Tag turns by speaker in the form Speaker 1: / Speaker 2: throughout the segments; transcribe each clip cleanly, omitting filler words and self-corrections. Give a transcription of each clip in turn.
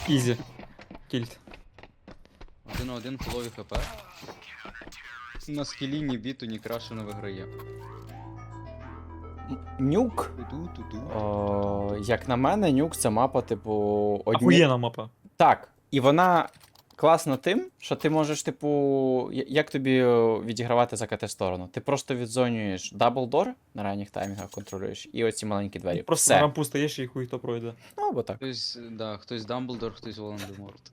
Speaker 1: Ізі. Кільт.
Speaker 2: 1-1 фулові хп. На скілі ні біту, ні краще не виграє.
Speaker 3: Нюк.
Speaker 2: Ту-ту-ту-ту.
Speaker 3: Як на мене, нюк це мапа, типу,
Speaker 1: Ахуєнна мапа.
Speaker 3: Так, і вона класна тим, що ти можеш, типу, як тобі відігравати за КТ-сторону? Ти просто відзонюєш даблдор на ранніх таймінгах, контролюєш, і оці маленькі двері.
Speaker 1: Просто на
Speaker 3: Все.
Speaker 1: рампу стаєш і хуй хто пройде.
Speaker 3: Ну, або так.
Speaker 2: Хтось Дамблдор, хтось Волан-де-Морт.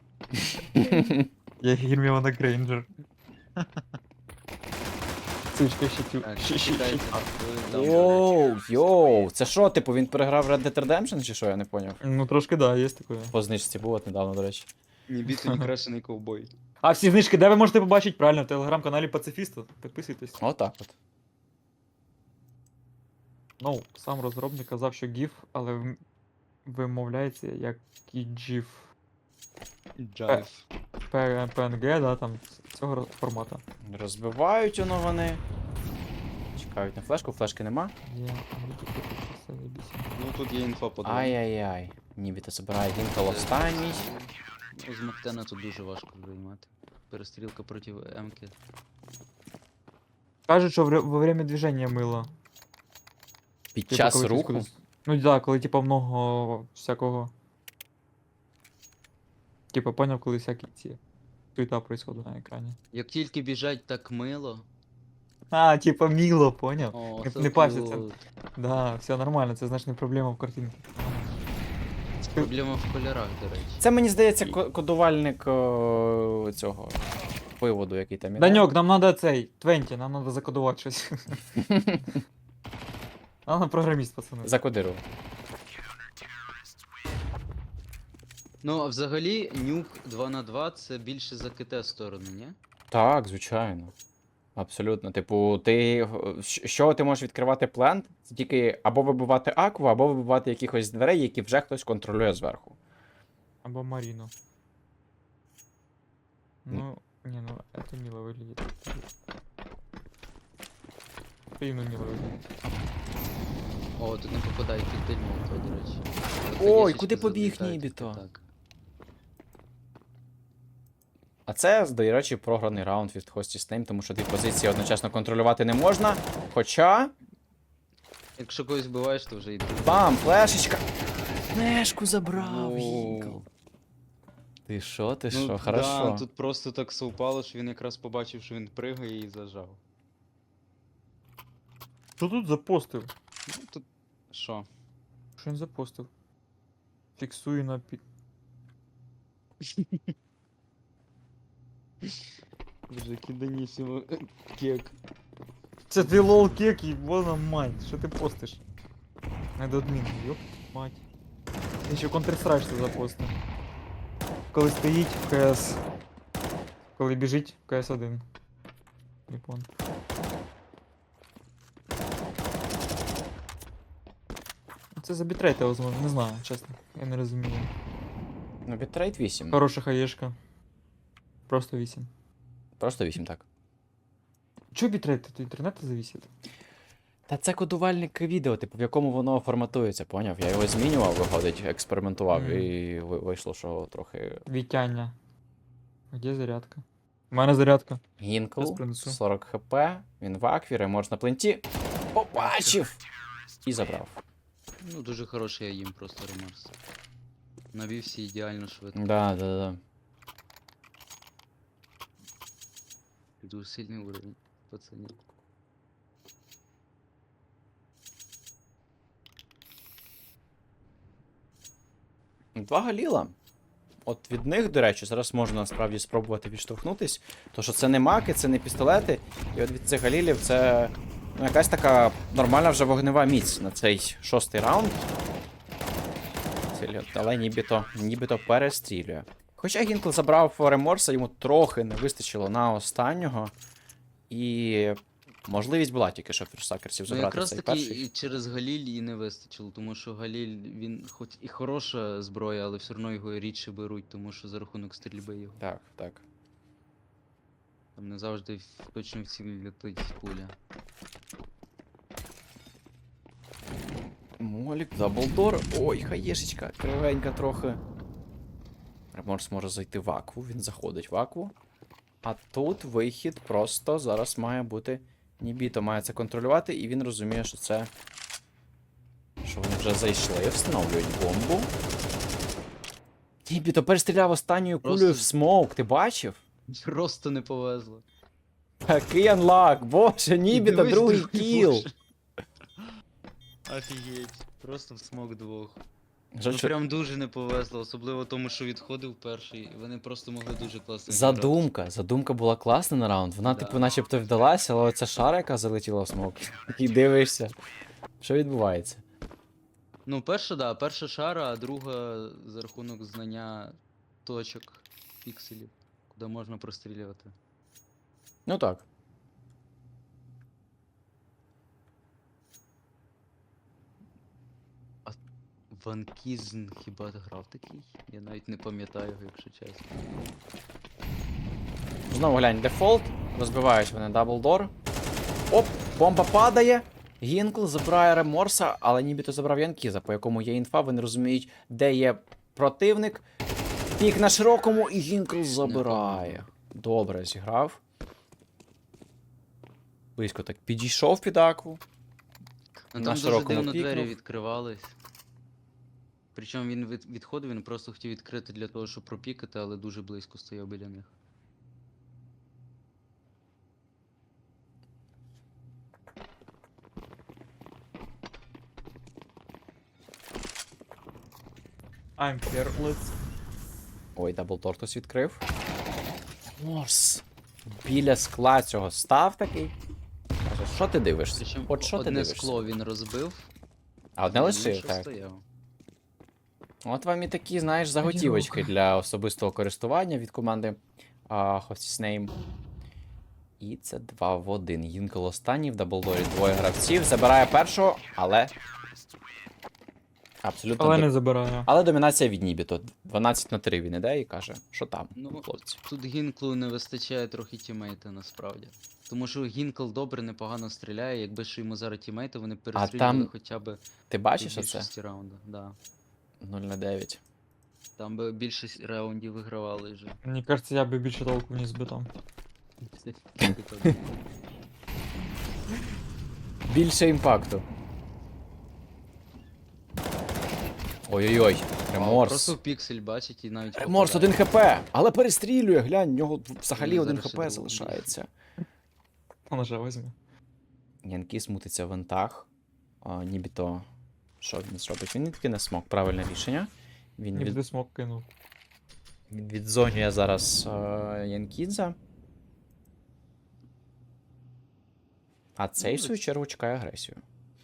Speaker 1: Я Герміона Грейнджер. Сучка,
Speaker 2: Так, читайте.
Speaker 3: Йоу, це що, типу, він переграв Red Dead Redemption, чи що, я не поняв?
Speaker 1: Ну трошки да, є таке.
Speaker 3: По знижці було от недавно, до речі.
Speaker 2: Ні біту, ні крашений ковбой.
Speaker 1: А всі знижки, де ви можете побачити? Правильно, в телеграм-каналі Пацифіста. Підписуйтесь.
Speaker 3: Отак от.
Speaker 1: Ну, сам розробник казав, що GIF, але вимовляється як GIF.
Speaker 2: Джайв.
Speaker 1: PNG, да, там цього формату.
Speaker 3: Розбивають воно вони. Чекають на флешку, флешки нема.
Speaker 2: Ну тут є інфа по дому.
Speaker 3: Ай-яй-яй. Нібито забирає Гінкл останній.
Speaker 2: З Мактена тут дуже важко займати. Перестрілка проти М-ки.
Speaker 1: Кажуть, що во время движення мило.
Speaker 3: Під
Speaker 1: Типу,
Speaker 3: час
Speaker 1: коли хтось
Speaker 3: руху.
Speaker 1: кудись- Ну да, коли типа много всякого. Типа поняв, коли всякі ці суета происходит на екрані.
Speaker 2: Як тільки біжать так мило.
Speaker 1: А, типа мило, поняв?
Speaker 2: О,
Speaker 1: Не-
Speaker 2: це
Speaker 1: не паситься.
Speaker 2: тут.
Speaker 1: Да, все нормально, це значить не проблема в картинці.
Speaker 2: Проблема в кольорах, до речі.
Speaker 3: Це мені здається кодувальник цього виводу, який там іде.
Speaker 1: Даньок, нам надо цей, 20, нам надо закодувати щось. Нам програміст, пацани.
Speaker 3: Закодирував.
Speaker 2: Ну, а взагалі, нюк 2х2 це більше за КТ сторону, ні?
Speaker 3: Так, звичайно. Абсолютно. Типу, ти. Що ти можеш відкривати плент? Це тільки або вибивати акву, або вибивати якихось дверей, які вже хтось контролює зверху.
Speaker 1: Або Маріну. Ну, не, ну это мило выглядит. И ну мило выглядит.
Speaker 2: О, тут не попадає коктейль молотова, до речі. От
Speaker 3: Ой,
Speaker 2: хаєшечки
Speaker 3: куди побіг
Speaker 2: залітають,
Speaker 3: Нібіто?
Speaker 2: так.
Speaker 3: А це, до речі, програний раунд від Хості Снейм, тому що дві позиції одночасно контролювати не можна. Хоча.
Speaker 2: Якщо когось вбиваєш, то вже йде.
Speaker 3: Бам! Флешечка! Флешку забрав!
Speaker 2: Воу.
Speaker 3: Гінкл. Ти що, ти що?
Speaker 2: Да,
Speaker 3: Хорошо.
Speaker 2: тут просто так совпало, що він якраз побачив, що він пригає і зажав.
Speaker 1: Що тут запостив?
Speaker 2: Ну, тут... Що?
Speaker 1: Що він запостив? Фіксую на пі...
Speaker 2: Боже, киданісимо кек.
Speaker 1: Це ти лол кек, ебана мать, що ти постиш? Недоадмін, ёп мать. Він ще Counter-Strike що запостив. Коли стоїть в КС. Коли біжить в КС-1. Не понял. Це за бітрейта, возможно, не знаю, чесно. Я не розумію.
Speaker 3: Ну, бітрейт 8.
Speaker 1: Хороша хаєшка. Просто 8.
Speaker 3: Просто 8, так.
Speaker 1: Чо бітрейт? Від інтернету зависить?
Speaker 3: Та це кодувальник відео, типу, в якому воно форматується, поняв? Я його змінював, виходить, експериментував, і вийшло, що трохи.
Speaker 1: Вітяння. Где зарядка? У мене зарядка.
Speaker 3: Гінкл,
Speaker 1: Щас принесу.
Speaker 3: 40 хп, він в акві, реморс на пленті. Побачив! І забрав.
Speaker 2: Ну, дуже хороший я їм просто ремарс. Навівся ідеально швидко.
Speaker 3: Да.
Speaker 2: Дуже сильний уровень, пацані.
Speaker 3: Два галіла. От від них, до речі, зараз можна насправді спробувати відштовхнутись. То що це не маки, це не пістолети. І от від цих галілів це ну, якась така нормальна вже вогнева міць на цей 6-й раунд. Але нібито перестрілює. Хоча Гінкл забрав реморса, йому трохи не вистачило на останнього. І можливість була тільки, що фірсакерсів
Speaker 2: Ну
Speaker 3: забрати
Speaker 2: якраз
Speaker 3: цей
Speaker 2: таки
Speaker 3: перший.
Speaker 2: і через Галіль і не вистачило, тому що Галіль, він хоч і хороша зброя, але все одно його рідше беруть, тому що за рахунок стрільби його.
Speaker 3: Так.
Speaker 2: Там не завжди точно в ціль летить пуля.
Speaker 3: Молік, даблдор. Ой, хаєшечка, кривенька трохи. Реморс може зайти в акву, він заходить в акву. А тут вихід просто зараз має бути. Нібіто має це контролювати, і він розуміє, що це. Що вони вже зайшли, встановлюють бомбу. Нібіто перестріляв останньою кулею
Speaker 2: Просто-
Speaker 3: в смоук, ти бачив?
Speaker 2: Просто не повезло.
Speaker 3: Такий анлак, боже, Нібіто,
Speaker 2: Дивись,
Speaker 3: другий кіл.
Speaker 2: боже. Офігеть. Просто в смок двох.
Speaker 3: Жаль,
Speaker 2: Ну
Speaker 3: що-
Speaker 2: прям дуже не повезло, особливо тому, що відходив перший, і вони просто могли дуже класно.
Speaker 3: Задумка була класна на раунд. Вона,
Speaker 2: Да.
Speaker 3: типу, начебто вдалася, але оця шара, яка залетіла в смок. Такий дивишся. Що відбувається?
Speaker 2: Ну, перша шара, а друга за рахунок знання точок пікселів, куди можна прострілювати.
Speaker 3: Ну так.
Speaker 2: Ванкізн хіба грав такий? Я навіть не пам'ятаю його, якщо чесно.
Speaker 3: Знову глянь, дефолт. Розбивають вони даблдор. Оп, бомба падає. Гінкл забирає реморса, але нібито забрав Янкіза, по якому є інфа, вони розуміють, де є противник. Пік на широкому, і Гінкл забирає. Добре зіграв. Близько так підійшов під акву.
Speaker 2: Ну
Speaker 3: На
Speaker 2: там дуже
Speaker 3: широкому
Speaker 2: дивно двері
Speaker 3: пікнув.
Speaker 2: відкривались. Причому він відходив, він просто хотів відкрити для того, щоб пропікати, але дуже близько стояв біля них.
Speaker 1: I'm careless.
Speaker 3: Ой, даблдор хтось відкрив. Морс. Біля скла цього став такий. Каже, що ти дивишся?
Speaker 2: Причому
Speaker 3: От що ти
Speaker 2: одне
Speaker 3: дивишся?
Speaker 2: скло він розбив,
Speaker 3: А одне
Speaker 2: а
Speaker 3: лишив,
Speaker 2: інше
Speaker 3: так.
Speaker 2: стояв.
Speaker 3: От вам і такі, знаєш, заготівочки
Speaker 1: Одиноко.
Speaker 3: для особистого користування від команди Host's Name. І це 2 в 1. Гінкл останній в даблдорі двоє гравців. Забирає першого, але. Абсолютно.
Speaker 1: Але не забираю.
Speaker 3: Але домінація від Нібіто. 12-3 він іде і каже, що там,
Speaker 2: Ну,
Speaker 3: хлопці.
Speaker 2: Тут Гінклу не вистачає трохи тімейта насправді. Тому що Гінкл добре, непогано стріляє, якби ще йому зараз тімейти, вони перестрілювали
Speaker 3: там
Speaker 2: хоча б
Speaker 3: Ти бачиш
Speaker 2: у
Speaker 3: оце?
Speaker 2: більшості раунду. Да.
Speaker 3: 0-9.
Speaker 2: Там би більшість раундів вигравали вже.
Speaker 1: Мені кажется, я би більше толку не збитав.
Speaker 3: Більше імпакту. Ой-ой-ой, Реморс.
Speaker 2: Просто піксель бачить і навіть
Speaker 3: Реморс
Speaker 2: попадає.
Speaker 3: 1 хп, але перестрілює, глянь, в нього взагалі
Speaker 2: Ну,
Speaker 3: 1
Speaker 2: зараз ще
Speaker 3: хп
Speaker 2: другий.
Speaker 3: залишається.
Speaker 1: Он вже візьме.
Speaker 3: Янкіс мутиться в вентах. Нібіто. Що він зробить? Він відкине смок, правильне рішення. Він
Speaker 1: Не буде смок кинув.
Speaker 3: відзонює зараз Янкідза. А цей, в свою чергу, чекає агресію.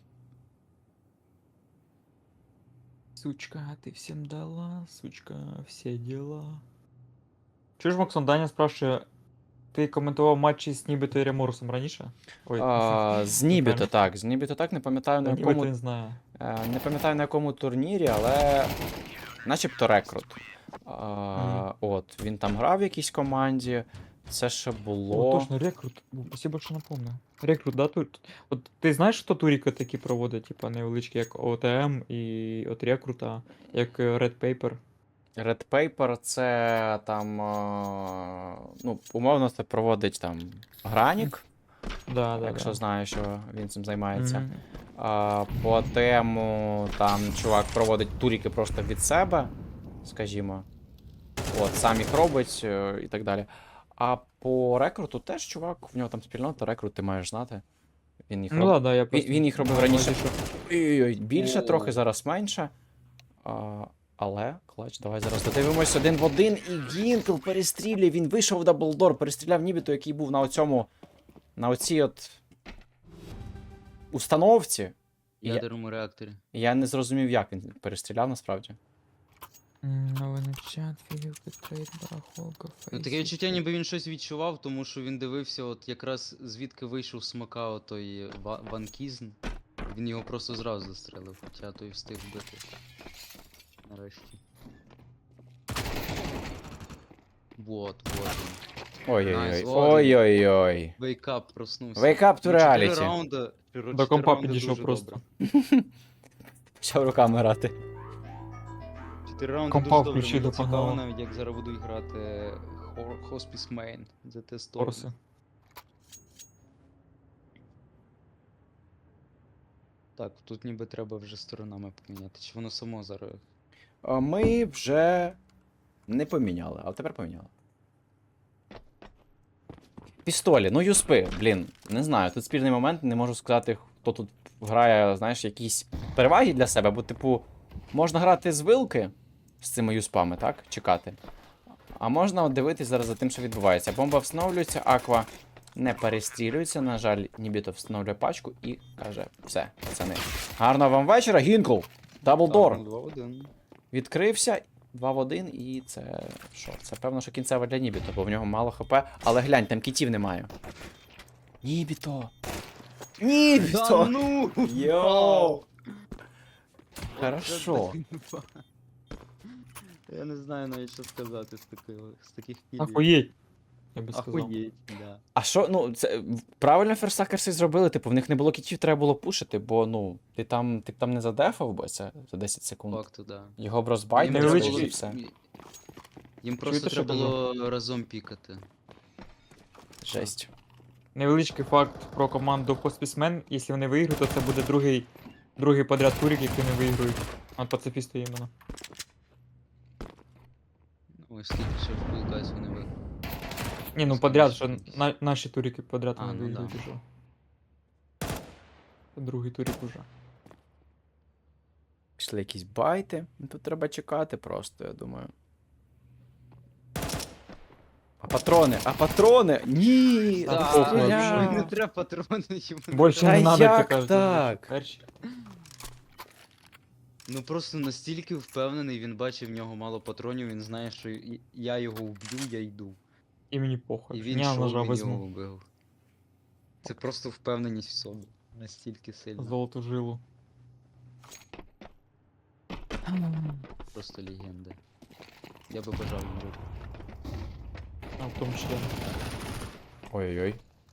Speaker 1: Сучка, ты всем дала, сучка, все дела. Чуєш, Максон, Даня спрашиває, ти коментував матчі з Нібіто і Реморсом раніше? Ой,
Speaker 3: З Нібіто так, з Нібіто так, не пам'ятаю на
Speaker 1: Нібіто
Speaker 3: якому.
Speaker 1: не знаю.
Speaker 3: Не пам'ятаю на якому турнірі, але. Начебто рекрут. От, він там грав в якійсь команді. Це ще
Speaker 1: О,
Speaker 3: було.
Speaker 1: точно, рекрут. Спасибо, що напомнив. Рекрут, да, тут? От ти знаєш, що туріки такі проводять, типа невеличкі, як ОТМ і от рекрута, як Red Paper.
Speaker 3: Red Paper це там. Ну, умовно, це проводить там Гранік,
Speaker 1: Да,
Speaker 3: якщо
Speaker 1: да.
Speaker 3: знаю, що він цим займається.
Speaker 1: Мгм.
Speaker 3: По тему там чувак проводить туріки просто від себе, скажімо. От, сам їх робить і так далі. А по рекруту теж чувак, в нього там спільнота, рекрут ти маєш знати. Він їх
Speaker 1: Ну да, да, я
Speaker 3: Він,
Speaker 1: просто...
Speaker 3: він їх робив
Speaker 1: мав на
Speaker 3: раніше.
Speaker 1: увазі, що-
Speaker 3: Ой-ой-ой, більше
Speaker 2: О.
Speaker 3: трохи, зараз менше. Але, клач, давай зараз додивимось 1 в 1. І Гінкл перестрілює, він вийшов в даблдор, перестріляв Нібіто, який був на оцьому. На оцій от. Установці.
Speaker 2: В ядерному реакторі.
Speaker 3: Я не зрозумів, як він перестріляв насправді.
Speaker 1: Новий чат, фігівки, трейд, барахолка,
Speaker 2: Ну, таке відчуття, ніби він щось відчував, тому що він дивився, от якраз звідки вийшов смока отой Ванкізн. Він його просто зразу застрелив, хоча той встиг вбити. Нарешті. Вот, вот він.
Speaker 3: Ой-ой-ой.
Speaker 2: Nice,
Speaker 3: Ой-ой-ой.
Speaker 2: Вейкап проснувся.
Speaker 3: Wake up to
Speaker 2: Ну, 4
Speaker 3: reality.
Speaker 2: раунди.
Speaker 1: До компа підійшов просто.
Speaker 3: Почав руками грати.
Speaker 2: 4 раунди
Speaker 1: Компа
Speaker 2: дуже добре,
Speaker 1: включи,
Speaker 2: мені
Speaker 1: допомагало.
Speaker 2: цікаво навіть, як зараз будуть грати Hospice Main за те сторону.
Speaker 1: Торси.
Speaker 2: Так, тут ніби треба вже сторонами поміняти, чи воно само зараз.
Speaker 3: Ми вже не поміняли, але тепер поміняли. Пістолі, ну юспи, блін, не знаю, тут спірний момент, не можу сказати, хто тут грає, знаєш, якісь переваги для себе, бо, типу, можна грати з вилки з цими юспами, так? Чекати. А можна от дивитись зараз за тим, що відбувається. Бомба встановлюється, аква не перестрілюється, на жаль, нібито встановлює пачку і каже: все, пацани. Гарного вам вечора, Гінкл! Даблдор!
Speaker 2: 2-1.
Speaker 3: Відкрився 2 в 1, і це що? Це певно, що кінцева для Нібіто, бо в нього мало хп, але глянь, там кітів немає. Нібіто! Нібіто!
Speaker 2: ну!
Speaker 3: Йоу! Хорошо.
Speaker 2: Я не знаю навіть, що сказати з таких кілів.
Speaker 1: Ахуєть. Я би сказав.
Speaker 2: Ахуєть, да.
Speaker 3: А що, ну, це правильно ферстакерси зробили, типу, в них не було кітів, треба було пушити, бо, ну, ти б там не задефав би це за 10 секунд.
Speaker 2: Факту, да.
Speaker 3: Його б розбайтили,
Speaker 1: невеличкий-
Speaker 3: і все.
Speaker 2: Їм просто
Speaker 1: Чуєте, що
Speaker 2: треба було разом пікати.
Speaker 3: Жесть.
Speaker 1: Невеличкий факт про команду Hospicemen. Якщо вони виграють, то це буде другий подряд турик, який не виграють. От пацифісти іменно.
Speaker 2: Ось скільки ще в Cool Guys вони виграли.
Speaker 1: Ні, ну
Speaker 2: Скільки
Speaker 1: подряд,
Speaker 2: ще
Speaker 1: що
Speaker 2: якісь?
Speaker 1: наші турики подряд
Speaker 2: А,
Speaker 1: вони
Speaker 2: ну
Speaker 1: виграють
Speaker 2: да.
Speaker 1: уже. Другий турик уже.
Speaker 3: Пішли якісь байти. Ну, тут треба чекати просто, я думаю. А патрони! Ні!
Speaker 1: Да,
Speaker 3: не
Speaker 1: похуй,
Speaker 3: стріляй!
Speaker 1: вообще.
Speaker 2: Не треба патрони йому.
Speaker 1: Більше
Speaker 3: Та
Speaker 1: не надо,
Speaker 3: як
Speaker 1: як кажуть.
Speaker 3: так?
Speaker 1: Перші.
Speaker 2: Ну просто настільки впевнений, він бачив в нього мало патронів, він знає, що я його вб'ю, я йду.
Speaker 1: І мені похуй.
Speaker 2: І він
Speaker 1: Я
Speaker 2: йшов,
Speaker 1: ножа
Speaker 2: він його
Speaker 1: візьму.
Speaker 2: вбив. Це просто впевненість в собі. Настільки сильно.
Speaker 1: Золоту жилу.
Speaker 2: Просто легенда. Я би бажав вбити.
Speaker 1: А в тому числі.
Speaker 3: Ой-ой-ой.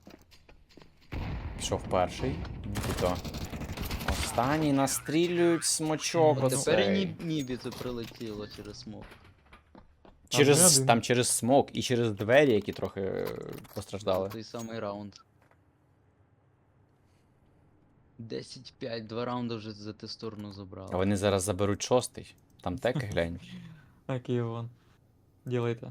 Speaker 3: Пішов перший. Нібито. Останній настрілюють смочок.
Speaker 2: От тепер і
Speaker 3: оцей.
Speaker 2: Нібі це прилетіло через смок.
Speaker 3: Там через смок і через двері, які трохи постраждали.
Speaker 2: Той самий раунд. 10-5, 2 раунди вже за ту сторону забрали.
Speaker 3: А вони зараз заберуть шостий. Там теки глянь.
Speaker 1: Так, Іван. Ділайте.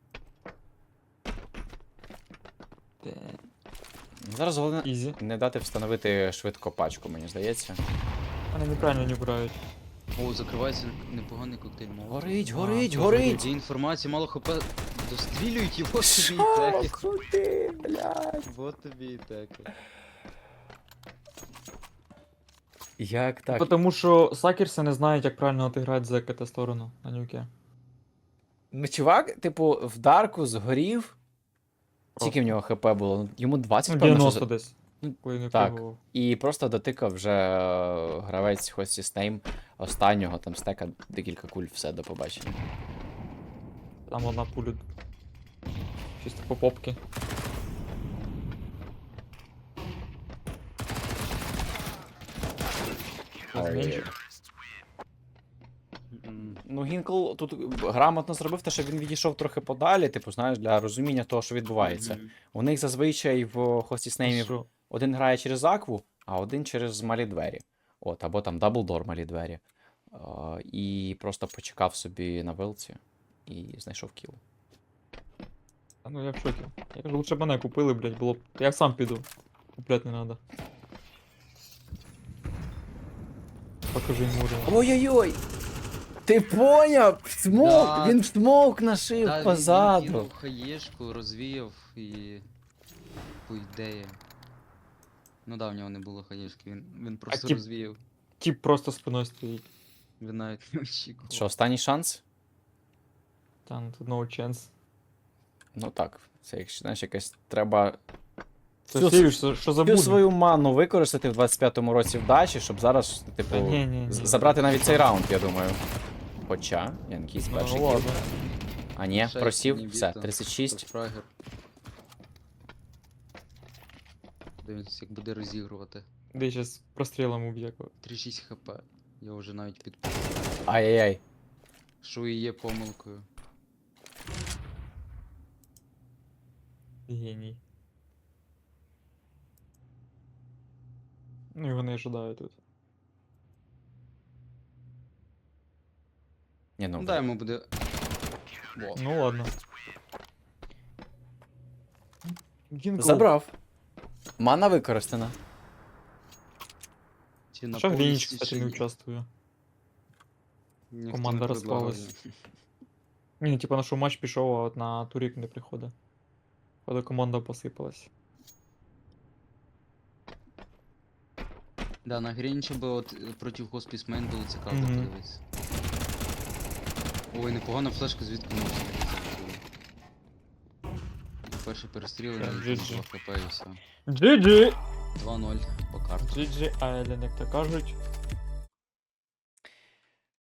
Speaker 3: Зараз головне
Speaker 1: Ізі.
Speaker 3: не дати встановити швидко пачку, мені здається.
Speaker 1: Вони неправильно не грають.
Speaker 2: О, закривається непоганий коктейль молотова.
Speaker 3: Горить,
Speaker 1: А,
Speaker 3: горить,
Speaker 1: це
Speaker 3: горить!
Speaker 2: Є інформація, мало хп. Дострілюють його собі і
Speaker 3: Що?
Speaker 2: теки.
Speaker 3: Крути, блядь.
Speaker 2: Вот тобі і теки.
Speaker 3: Як так?
Speaker 1: Тому що сакерси не знають, як правильно отиграти за КТ сторону на нюке.
Speaker 3: Ну, чувак, типу, в Дарку згорів. Скільки в
Speaker 1: Просто.
Speaker 3: нього хп було? Ну, йому 20,
Speaker 1: Ну,
Speaker 3: певно, що
Speaker 1: 90
Speaker 3: за-
Speaker 1: десь.
Speaker 3: Ну,
Speaker 1: Коли не
Speaker 3: так.
Speaker 1: пригував.
Speaker 3: І просто дотикав вже гравець Хості Снейм останнього, там стека декілька куль, все, до побачення.
Speaker 1: Там одна пуля. Чисто по попки.
Speaker 3: Ой.
Speaker 2: М,
Speaker 3: Ну, Гінкл тут грамотно зробив те, що він відійшов трохи подалі, типу, знаєш, для розуміння того, що відбувається.
Speaker 2: мгм.
Speaker 3: У них зазвичай в Хості Снеймів
Speaker 1: Що?
Speaker 3: один грає через акву, а один через малі двері. От, або там даблдор малі двері. І просто почекав собі на вилці і знайшов кіл.
Speaker 1: А ну я в шокі. Я кажу, лучше б мене купили, блядь, було б. Я сам піду. Куплять не надо. Покажи йому уровень.
Speaker 3: Ой-ой-ой! Ти поняв? Смок!
Speaker 2: Да.
Speaker 3: Він смок нашив
Speaker 2: Та,
Speaker 3: позаду.
Speaker 2: Він кинув хаєшку, розвіяв і. По ідеї. Ну да, в нього не було хаєшки, він просто
Speaker 1: тип-
Speaker 2: розвіяв.
Speaker 1: Тіп просто спиною стоїть.
Speaker 2: Він навіть не очікував.
Speaker 3: Що, останній шанс?
Speaker 1: Там тут no chance.
Speaker 3: Ну так, це якщо знаєш, якась треба
Speaker 1: Це
Speaker 3: Всю-
Speaker 1: сівіш, що
Speaker 3: всю
Speaker 1: забуде.
Speaker 3: свою ману використати в 25-му році вдачі, щоб зараз, типу,
Speaker 1: Та ні.
Speaker 3: забрати навіть цей раунд, я думаю. Хоча, Янкіс
Speaker 1: Ну,
Speaker 3: перший кіл.
Speaker 1: ладно.
Speaker 3: А ні,
Speaker 2: Шесть,
Speaker 3: просів,
Speaker 2: ні,
Speaker 3: все,
Speaker 2: біто.
Speaker 3: 36.
Speaker 2: Фрагер. Дивіться, як буде розігрувати.
Speaker 1: Де зараз прострілом уб'є.
Speaker 2: 3-6 хп. Я вже навіть під.
Speaker 3: Ай-яй-яй.
Speaker 2: Що і є помилкою.
Speaker 1: Геній. Ну і вони ожидають тут.
Speaker 3: Ні, ну,
Speaker 2: Да, йому буде. Во.
Speaker 1: Ну ладно. Гінкл.
Speaker 3: забрав. Мана використана.
Speaker 2: Чи на
Speaker 1: Що Грініч,
Speaker 2: повністю,
Speaker 1: кстати,
Speaker 2: чи
Speaker 1: не
Speaker 2: ні?
Speaker 1: участвує.
Speaker 2: Ніхто
Speaker 1: команда
Speaker 2: не предлагав.
Speaker 1: розпалась. Ні, типа на що матч пішов, а от на турік не приходить. Коли команда посипалась.
Speaker 2: Да, на Грінча би от проти Хоспісмен було цікаво
Speaker 1: Мгм.
Speaker 2: подивитися. Ой, непогана флешка, звідки можна взяти. Перший перестріл,
Speaker 1: Так,
Speaker 2: і
Speaker 1: GG.
Speaker 2: 2 хп і все.
Speaker 1: GG!
Speaker 2: 2-0 по карту.
Speaker 1: GG Island, як то кажуть.